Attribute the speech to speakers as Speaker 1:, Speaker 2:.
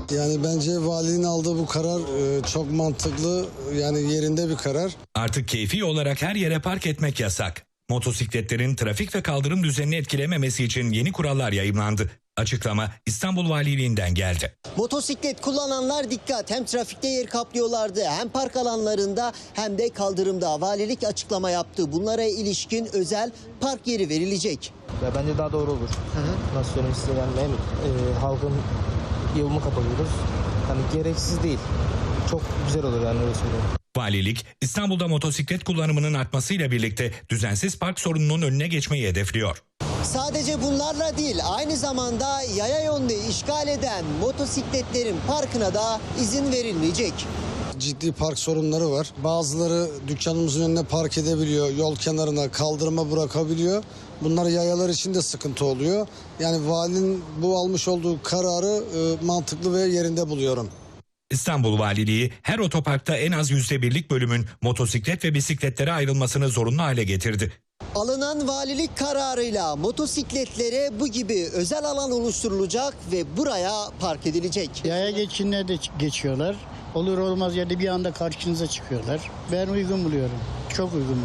Speaker 1: Yani bence valinin aldığı bu karar çok mantıklı, yani yerinde bir karar.
Speaker 2: Artık keyfi olarak her yere park etmek yasak. Motosikletlerin trafik ve kaldırım düzenini etkilememesi için yeni kurallar yayımlandı. Açıklama İstanbul Valiliğinden geldi.
Speaker 3: Motosiklet kullananlar dikkat. Hem trafikte yer kaplıyorlardı, hem park alanlarında hem de kaldırımda. Valilik açıklama yaptı. Bunlara ilişkin özel park yeri verilecek.
Speaker 4: Ya bence daha doğru olur. Nasıl söyleyeyim size, yani hem halkın yolunu kapatıyoruz. Hani gereksiz değil. Çok güzel olur yani, öyle söyleyeyim.
Speaker 2: Valilik İstanbul'da motosiklet kullanımının artmasıyla birlikte düzensiz park sorununun önüne geçmeyi hedefliyor.
Speaker 3: Sadece bunlarla değil, aynı zamanda yaya yolunu işgal eden motosikletlerin parkına da izin verilmeyecek.
Speaker 1: Ciddi park sorunları var. Bazıları dükkanımızın önüne park edebiliyor, yol kenarına, kaldırıma bırakabiliyor. Bunlar yayalar için de sıkıntı oluyor. Yani valinin bu almış olduğu kararı mantıklı ve yerinde buluyorum.
Speaker 2: İstanbul Valiliği her otoparkta en az %1'lik bölümün motosiklet ve bisikletlere ayrılmasını zorunlu hale getirdi.
Speaker 3: Alınan valilik kararıyla motosikletlere bu gibi özel alan oluşturulacak ve buraya park edilecek.
Speaker 5: Yaya geçinler de geçiyorlar. Olur olmaz yerde bir anda karşınıza çıkıyorlar. Ben uygun buluyorum. Çok uygun buluyorum.